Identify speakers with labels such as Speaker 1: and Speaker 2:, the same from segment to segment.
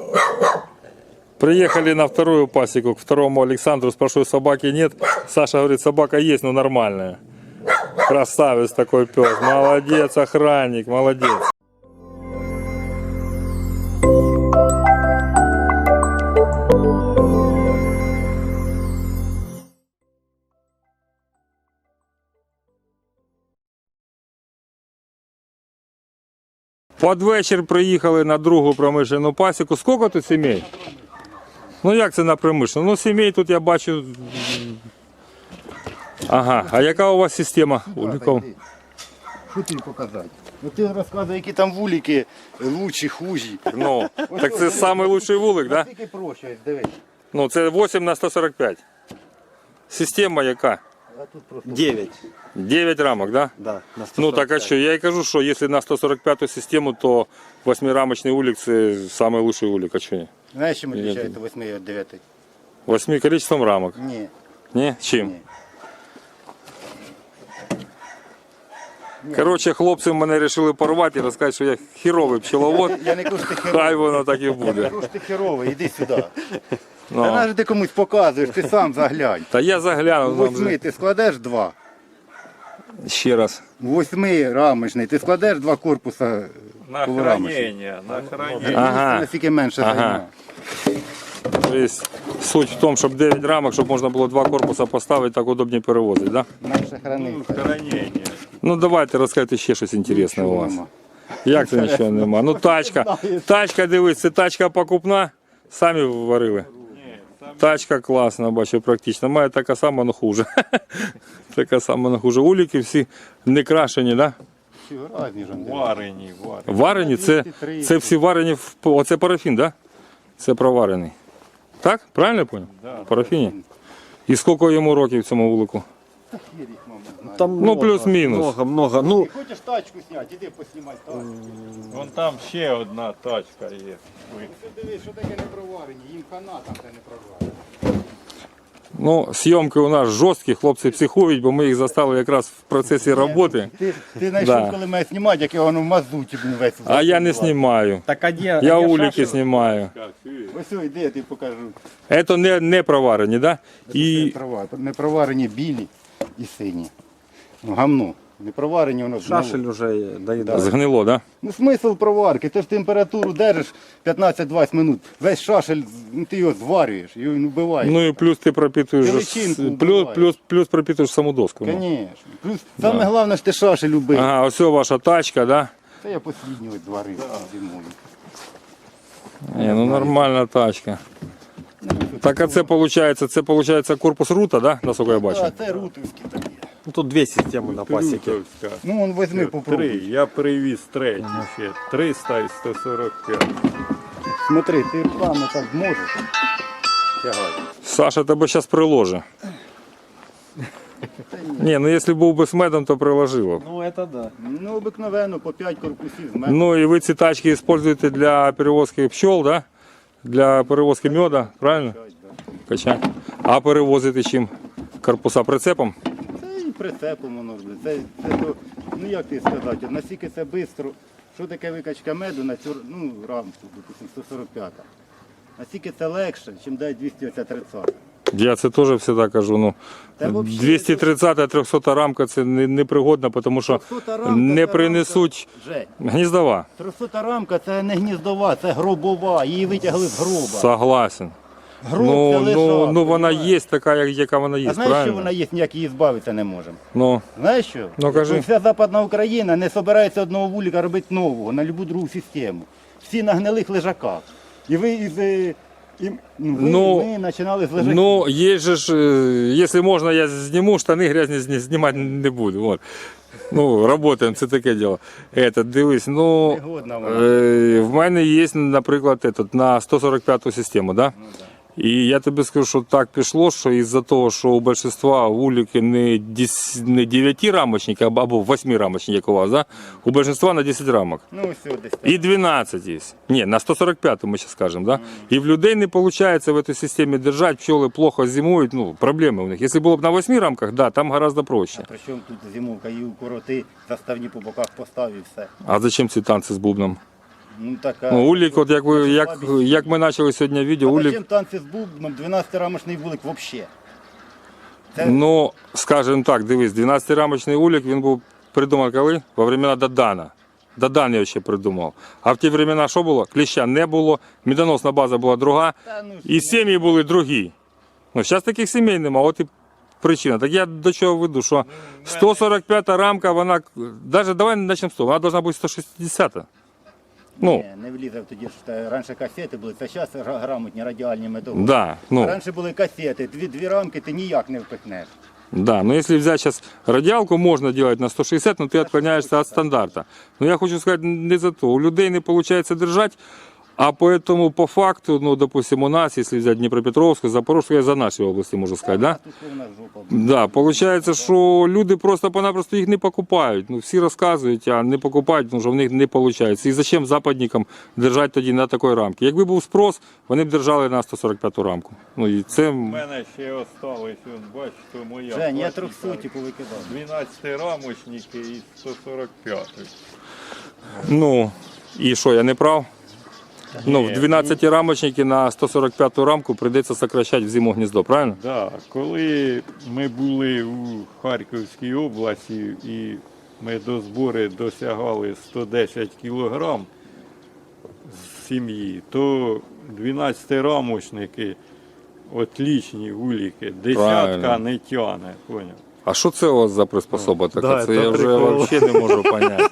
Speaker 1: Приехали на вторую пасеку к второму Александру, спрашиваю, собаки нет. Саша говорит, собака есть, но нормальная. Красавец такой пес, молодец, охранник, молодец. Под вечір приїхали на другу промишлену пасіку. Скільки тут сімей? Ну як це на промишлену? Ну сімей тут я бачу. Ага, а яка у вас система?
Speaker 2: Що тобі показати? Ну ти розказуй, які там вулики лучші, хужі.
Speaker 1: Ну, так це найкращий вулик, так? Да?
Speaker 2: Тільки проще, дивись.
Speaker 1: Ну це 8х145. Система яка?
Speaker 2: А тут просто
Speaker 3: 9.
Speaker 1: 9 рамок, да?
Speaker 3: Да, на 145.
Speaker 1: Ну так а що, я і кажу, що якщо на 145 систему, то 8-рамочний улик це найкращий улик, а що ні?
Speaker 2: Знаєш, чим відрізняється 8 від 9?
Speaker 1: 8 количеством рамок.
Speaker 2: Ні.
Speaker 1: Ні? Чим?
Speaker 2: Ні.
Speaker 1: Коротше, хлопці мене вирішили порвати і розказати, що я хіровий пчеловод.
Speaker 2: Я не кажу, що ти херовий.
Speaker 1: Хай воно так і
Speaker 2: Я не
Speaker 1: буде.
Speaker 2: кажу, що ти херовий, іди сюди.
Speaker 1: Ну.
Speaker 2: Та навіть ти комусь показуєш, ти сам заглянь.
Speaker 1: Та я заглянув. нам
Speaker 2: 8
Speaker 1: вже.
Speaker 2: ти складеш 2.
Speaker 1: Ще раз.
Speaker 2: 8 рамочний, ти складеш 2 корпуса
Speaker 4: На
Speaker 2: полурамочних.
Speaker 4: хранение, на хранение.
Speaker 1: Ага.
Speaker 2: Наскільки менше
Speaker 1: Ага.
Speaker 2: займе.
Speaker 1: Тобто суть в тому, щоб 9 рамок, щоб можна було 2 корпуса поставити, так удобніше перевозити, да?
Speaker 2: Менше храниться.
Speaker 4: Хранение.
Speaker 1: Ну давайте розкажіть ще щось інтересне у вас. Як це нічого нема? Ну тачка, дивись, це тачка покупна, самі варили. Тачка класна, бачу, практично. Має така сама, але хуже. Така сама, але хуже. Уліки всі не крашені, так? Да?
Speaker 2: Разні ж вони.
Speaker 4: Варені.
Speaker 1: Варені, це всі варені, оце парафін, так? Да? Це проварений. Так? Правильно я зрозумів?
Speaker 4: Да.
Speaker 1: Парафіні. І скільки йому років цьому вулику?
Speaker 3: Там
Speaker 1: Ну,
Speaker 3: много,
Speaker 1: плюс-минус.
Speaker 3: Много. Ну,
Speaker 2: Ти хочеш тачку зняти, іди поснімай тачку.
Speaker 4: Вон там ще одна тачка є.
Speaker 2: Ти дивись, що таке не проварені, їм хана там де не проварені.
Speaker 1: Ну, зйомки у нас жорсткі, хлопці психують, бо ми їх застали якраз в процесі роботи.
Speaker 2: Ти знайшов,
Speaker 1: Да.
Speaker 2: коли мене знімати, як я воно в мазуті весь.
Speaker 1: А я не знімаю.
Speaker 3: так один.
Speaker 1: Я уліки знімаю.
Speaker 2: Ось йди, я тобі покажу.
Speaker 1: Це не проварені, так? Да? І
Speaker 2: Не проварені білі і сині. Ну, гамно. Не проварені, воно
Speaker 3: Шашель уже доїдає.
Speaker 1: згнило, так? Да?
Speaker 2: Ну смисл проварки, ти ж температуру держиш 15-20 минут. Весь шашель, ну, ти його зварюєш, його він вбиває.
Speaker 1: Ну і плюс ти пропитуєш,
Speaker 2: Величинку
Speaker 1: плюс пропитуєш саму доску. Ну.
Speaker 2: Звісно. Плюс саме головне, що ти шашель убив.
Speaker 1: Ага, ось ваша тачка, так? Да?
Speaker 2: Це я посліднього зварив зимою.
Speaker 1: Ні, ну нормальна тачка. Так а це виходить корпус рута, да? Наскільки я бачу?
Speaker 2: А це рутовські такі.
Speaker 3: Ну, тут 2 системи на пасіки.
Speaker 4: Плютовська.
Speaker 2: Ну, он возьми,
Speaker 4: 3.
Speaker 2: попробуй.
Speaker 4: Я привіз третю ще. 300 і 145.
Speaker 2: Смотри, ти руками так зможеш. Тягай.
Speaker 1: Саша тебе зараз приложить. Ні, ну якщо був би з медом, то приложило.
Speaker 3: Ну, это да.
Speaker 2: Ну, обикновенно по 5 корпусів з мене.
Speaker 1: Ну і ви ці тачки використовуєте для перевозки пчел, да? Для перевозки меда, правильно? Качать. А перевозити чим? Корпуса прицепом?
Speaker 2: Це і прицепом воно, блін. Це то, ну як ти сказати, от наскільки це швидко. Що таке викачка меду на цю рамку, допустим, 145. Наскільки це легше, ніж дає 230.
Speaker 1: Я це теж завжди кажу. Ну,
Speaker 2: Та взагалі,
Speaker 1: 230 300 рамка це непригодна, тому що
Speaker 2: 300 рамка
Speaker 1: не
Speaker 2: це
Speaker 1: принесуть
Speaker 2: Жень,
Speaker 1: гніздова.
Speaker 2: 300 рамка це не гніздова, це гробова. Її витягли з гроба.
Speaker 1: Согласен.
Speaker 2: Гроб це лежак,
Speaker 1: Ну вона
Speaker 2: понімаєш?
Speaker 1: є така, яка вона є,
Speaker 2: А знаєш, що
Speaker 1: правильно?
Speaker 2: вона є, ніяк її збавитися не можемо?
Speaker 1: Ну,
Speaker 2: Знаєш що?
Speaker 1: Ну, кажи.
Speaker 2: Вся Западна Україна не збирається одного вулика робити нового, на будь-яку другу систему. Всі на гнилих лежаках. І ви ми починали з лежаків.
Speaker 1: ну є же ж, якщо можна, я зніму, штани грязні знімати не буду. Вот. Ну, работаємо, це таке діло. Дивись, ну,
Speaker 2: Негодна вона.
Speaker 1: в мене є, наприклад, на 145 систему, да? І я тобі скажу, що так пішло, що із-за того, що у большинства вулики не 9-рамочники, або 8-рамочники, як у вас, да? У большинства на 10 рамок.
Speaker 2: Ну, все, десь так.
Speaker 1: І 12 є. Ні, на 145 ми зараз скажемо, да? І в людей не виходить в цій системі держати, пчоли плохо зимують, ну, проблеми у них. Якщо було б на 8 рамках, да, там гораздо проще.
Speaker 2: Причому тут зимовка, її укороти, заставні по боках постав і все.
Speaker 1: А зачем ці танці з бубном?
Speaker 2: Ну, така.
Speaker 1: Ну, улік, от як ми почали сьогодні відео,
Speaker 2: А
Speaker 1: улік,
Speaker 2: зачем танці з бубном, 12-рамочний вулик взагалі? Це
Speaker 1: ну, скажімо так, дивись, 12-рамочний улік, він був придуманий коли? Во времена Дадана. Дадан я ще придумав. А в ті времена що було? Кліща не було, медоносна база була друга, і сім'ї були другі. Ну, зараз таких сімей нема, от і причина. Так я до чого веду, що 145-та рамка, вона, навіть давай почнемо з того, вона повинна бути 160-та. Ну,
Speaker 2: не влізе тоді, що раніше касети були, це зараз грамотні радіальні методи.
Speaker 1: да, ну.
Speaker 2: Раніше були касети, дві рамки ти ніяк не впихнеш.
Speaker 1: Да, но если взять сейчас радиалку, можно делать на 160, но ты отклоняешься от стандарта. Но я хочу сказать не за то. У людей не получается держать, а поэтому по факту, ну, допустим, у нас, если взять Днепропетровскую, Запорожскую, я за нашей области, можно сказать, да?
Speaker 2: Тут у нас жопа.
Speaker 1: Да, получается, що люди просто-напросто їх не покупають. Ну, всі розказують, а не покупають, тому що в них не виходить. І зачем западникам держати тоді на такій рамці? Якби був спрос, вони б держали на 145-ту рамку. Ну, і це...
Speaker 4: У мене ще осталось, бачите, моя.
Speaker 2: Жень, я
Speaker 4: пластика.
Speaker 2: 300 повикидав.
Speaker 4: 12 рамочники і 145.
Speaker 1: Ну, і що, я не прав? Ну, в 12 рамочники на 145 рамку прийдеться сокращати в зиму гніздо, правильно?
Speaker 4: Да, коли ми були у Харківській області і ми до збору досягали 110 кг з сім'ї, то 12-рамочники, отлічні уліки, десятка
Speaker 1: Правильно.
Speaker 4: не тягне, поняв?
Speaker 1: А що це у вас за приспособа така?
Speaker 3: Да,
Speaker 1: це
Speaker 3: це
Speaker 1: я вже
Speaker 3: прикол.
Speaker 1: взагалі не можу зрозуміти.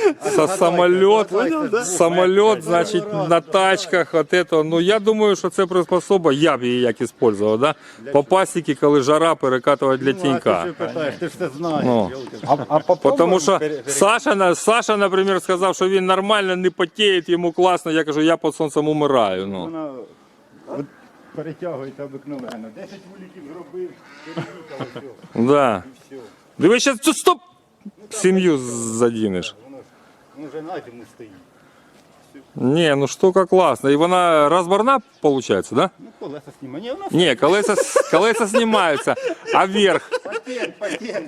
Speaker 1: Самоліт, значить, на тачках, от это. Ну, я думаю, що це приспособа, я б її як використовував, да? По пасіки, коли жара, перекатувати для
Speaker 2: Ну, а
Speaker 1: тінька.
Speaker 2: ти що питаєш, ти ж це знаєш.
Speaker 1: Ну.
Speaker 3: А попробуем
Speaker 1: Тому що Саша, наприклад, сказав, що він нормально не потіє, йому класно. Я кажу, я під сонцем умираю. Ну.
Speaker 2: Вона от перетягується обикновенно. 10 вуликів зробив, переїхав, все.
Speaker 1: Да.
Speaker 2: Все.
Speaker 1: Дивись, зараз стоп! Сім'ю задінеш.
Speaker 2: Воно вже на зиму стоїть.
Speaker 1: Не, ну штука класна. І вона розборна, виходить, да?
Speaker 2: Ну, колеса знімає. Ні, воно
Speaker 1: Не, колеса знімаються, а верх,
Speaker 2: патент.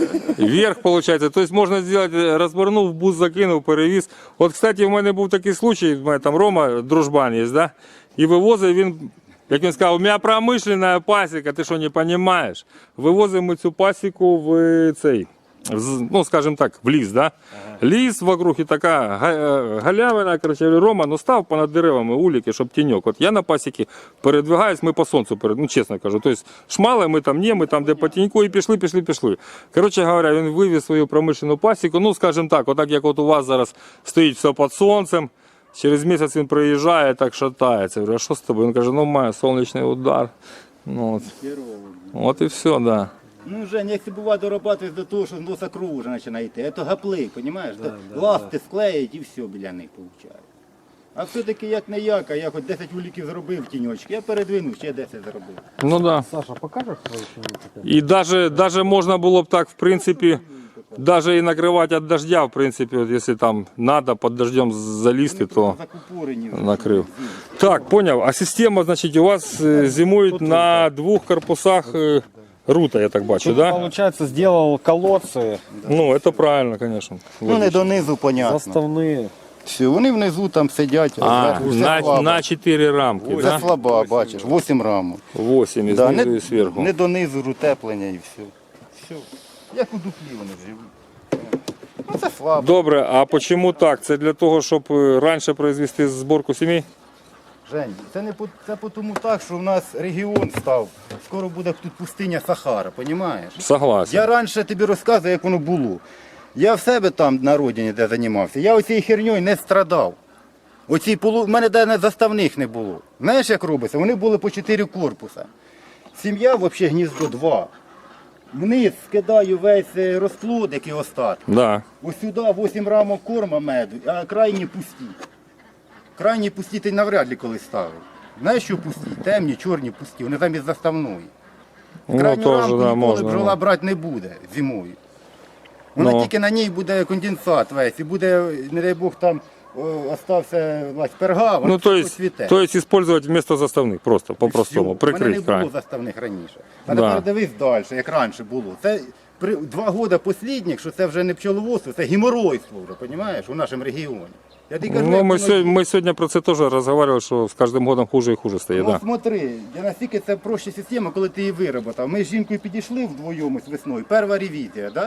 Speaker 1: верх получается. То есть можно сделать, розборнув, в бус закинув, перевіз. От, кстати, в мене був такий случай, в мене там Рома, дружбан є, да? І вивозив він, як він сказав, у мене промишлена пасіка, ти що не розумієш? Вивозимо ми цю пасіку в цей, ну, скажем так, в ліс, да? Ліс вокруг і така галявина, короче, Рома, ну став понад деревами уліки, щоб тіньок. От я на пасіки передвигаюсь, ми по сонцю, ну чесно кажу, тобто шмали, ми там ні, ми там де по тіньку і пішли. Коротше говоря, він вивіз свою промишлену пасіку, ну, скажем так, отак як от у вас зараз стоїть все під сонцем, через місяць він приїжджає, так шатається. Я говорю, а що з тобою? Він каже, ну, має сонячний удар. Ну, от і все, да.
Speaker 2: Ну, Жень, якщо буває дорабатуєш до того, що з носа кров вже починає йти, це гаплик, розумієш? Ласти склеїть і все біля них виходить. А все-таки як не як, а я хоч 10 вуликів зробив тіньочки, я передвинув, ще 10 зробив.
Speaker 1: Ну да.
Speaker 3: Саша, покажешь свою семью?
Speaker 1: І даже можна було б так, в принципі, даже і накривати від дождя, в принципі, от, якщо там треба під дождем залізти, то
Speaker 2: Закупорені вже.
Speaker 1: накрив. Так, поняв. А система, значить, у вас зимують на двох корпусах рута, я так бачу,
Speaker 3: Тут,
Speaker 1: да?
Speaker 3: получается, сделал колодцы
Speaker 1: Ну, це правильно, звісно.
Speaker 2: Ну, не донизу, понятно.
Speaker 3: заставные.
Speaker 2: Все, вони внизу там сидять, а
Speaker 1: А,
Speaker 2: зверху все слабо.
Speaker 1: на 4 рамки,
Speaker 2: Це
Speaker 1: да?
Speaker 2: слаба, бачиш, 8 рамок.
Speaker 1: 8 і
Speaker 2: Да,
Speaker 1: знизу і зверху.
Speaker 2: не донизу утеплення і все. Все. Як у дуплі вони живуть. Ну це слабо.
Speaker 1: Добре, а чому так? Це для того, щоб раніше произвести зборку сімей?
Speaker 2: Жень, це тому так, що в нас регіон став. Скоро буде тут пустиня Сахара, розумієш?
Speaker 1: Согласен.
Speaker 2: Я раніше тобі розказую, як воно було. Я в себе там на родині, де займався, я оцією херньою не страдав. У мене навіть заставних не було. Знаєш, як робиться? Вони були по 4 корпуса. Сім'я, взагалі, гніздо 2. Вниз скидаю весь розплод, який остатки.
Speaker 1: Да.
Speaker 2: Ось сюди 8 рамок корма меду, а крайні пусті. Крайні пусті ти навряд ли колись ставив. Знаєш, що пусті? Темні, чорні пусті, вони замість заставної.
Speaker 1: Ну,
Speaker 2: Крайню
Speaker 1: теж,
Speaker 2: рамку
Speaker 1: да,
Speaker 2: ніколи
Speaker 1: можна.
Speaker 2: бджола брати не буде зимою. Вона
Speaker 1: Ну.
Speaker 2: тільки на ній буде конденсат весь, і буде, не дай Бог, там остався перга, вона
Speaker 1: Ну, то есть,
Speaker 2: цвіте.
Speaker 1: использовать вместо заставных, просто, по-простому,
Speaker 2: У мене не
Speaker 1: прикрыть край.
Speaker 2: було заставних раніше. А
Speaker 1: Да.
Speaker 2: тепер дивись далі, як раніше було. Це 2 роки останніх, що це вже не пчеловодство, це геморойство вже, розумієш, у нашому регіоні. Я тобі кажу,
Speaker 1: Ну,
Speaker 2: як
Speaker 1: мы,
Speaker 2: воно є.
Speaker 1: мы сегодня про це теж розмовляли, що з кожним годом хуже і хуже стає.
Speaker 2: Ну
Speaker 1: Да.
Speaker 2: смотри, я настільки це проща система, коли ти її вироботав. Ми з жінкою підійшли вдвоєм ось весною, перша ревізія, да?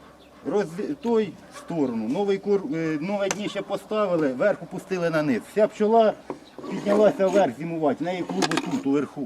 Speaker 2: Той в сторону, нове дніще поставили, верх опустили на низ. Вся пчола піднялася вверх зимувати, в неї клубу тут, уверху.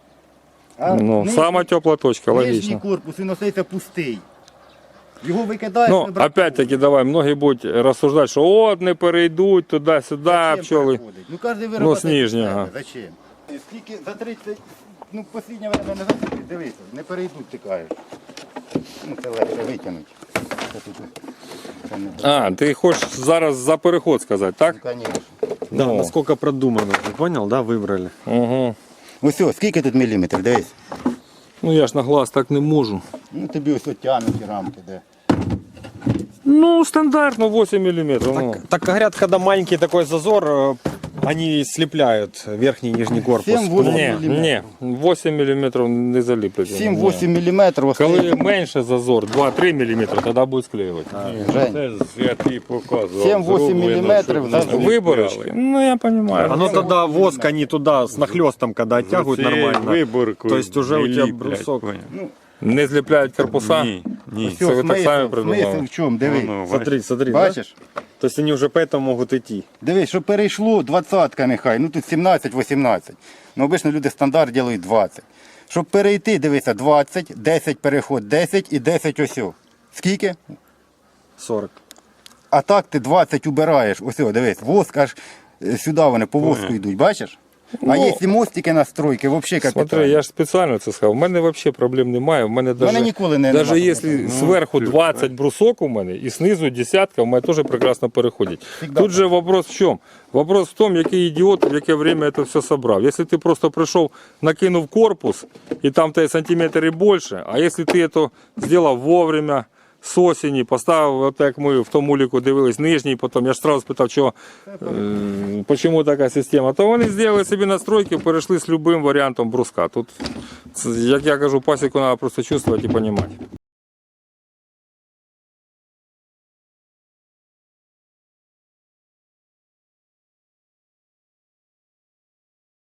Speaker 2: А
Speaker 1: Ну, сама тепла точка,
Speaker 2: нижній
Speaker 1: логично.
Speaker 2: корпус, він остається пустий. Його викидаєш,
Speaker 1: Ну,
Speaker 2: не бракує.
Speaker 1: опять-таки, давай, многі будуть розсуждати, що от не перейдуть туди-сюди,
Speaker 2: Зачем
Speaker 1: пчоли.
Speaker 2: переходить? Ну, кожен
Speaker 1: Ну,
Speaker 2: виробляє
Speaker 1: з нижнього.
Speaker 2: себе. Зачем? Скільки за 30, ну, останнє время не засипить, дивися, не перейдуть, ти кажеш. Ну, це легше витягнути. Це тут, це не
Speaker 1: А, ти хочеш зараз за переход сказати, так?
Speaker 2: Ну, звісно.
Speaker 3: Да,
Speaker 1: Ну.
Speaker 3: насколько продумано. Ты понял, да, выбрали?
Speaker 1: Угу.
Speaker 2: Ось, ось, скільки тут міліметрів, дивись.
Speaker 1: Ну я ж на глаз так не можу.
Speaker 2: Ну, тобі ось тягнуті рамки, де.
Speaker 1: Ну, стандартно 8 мм. Ну.
Speaker 3: Так говорят, когда маленький такой зазор, они слепляют верхний и нижний корпус.
Speaker 2: 7-8
Speaker 1: Ні, 8 мм не заліплять.
Speaker 2: 7-8 міліметрів.
Speaker 1: Коли менше зазор, 2-3 мм, тоді буде склеювати.
Speaker 2: Жень,
Speaker 4: Це ж я тобі показував.
Speaker 2: 7-8
Speaker 4: зроблено,
Speaker 2: міліметрів
Speaker 4: щоб
Speaker 2: зазор.
Speaker 4: не
Speaker 1: Виборочки?
Speaker 4: зліпляли.
Speaker 1: Ну я розумію.
Speaker 3: Оно тогда воск, они туда с нахлестом, когда оттягивают
Speaker 4: Оце
Speaker 3: нормально.
Speaker 4: Виборку
Speaker 3: То есть уже у
Speaker 4: не
Speaker 3: тебя
Speaker 4: ліплять,
Speaker 3: брусок.
Speaker 4: поняв?
Speaker 1: Не зліпляють корпуса?
Speaker 4: Ні, ні.
Speaker 2: Все,
Speaker 1: Це ви так самі
Speaker 2: смисл
Speaker 1: придумали?
Speaker 2: в чому, диви.
Speaker 4: Воно,
Speaker 3: Смотри, смотри, да?
Speaker 2: Бачиш?
Speaker 3: То есть они уже поэтому могут идти.
Speaker 2: Дивись, щоб перейшло 20-ка нехай, ну тут 17-18. Ну обично люди стандарт роблять 20. Щоб перейти, дивися, 20, 10 переход, 10 і 10 ось. Скільки?
Speaker 3: 40.
Speaker 2: А так ти 20 убираєш. Ось, дивись, воск аж сюди вони по воску йдуть, бачиш? А
Speaker 1: Ну,
Speaker 2: є і мостики настройки, взагалі
Speaker 1: Смотри,
Speaker 2: капітально.
Speaker 1: я ж спеціально це сказав. У мене взагалі проблем немає. У мене даже,
Speaker 2: ніколи не-
Speaker 1: даже
Speaker 2: нема
Speaker 1: якщо зверху 20 брусок у мене і знизу десятка, у мене теж прекрасно переходить.
Speaker 2: Всегда
Speaker 1: Тут же вопрос в чому? Вопрос в тому, який ідіот в яке время це все собрав. Якщо ти просто прийшов, накинув корпус, і там тебе сантиметр і більше, а якщо ти це зробив вовремя, з осені, поставив, от як ми в тому ліку дивились, нижній, потім я ж одразу спитав, чому така система, то вони зробили собі настройки, перейшли з будь-яким варіантом бруска. Тут, як я кажу, пасіку треба просто чувствувати і розуміти.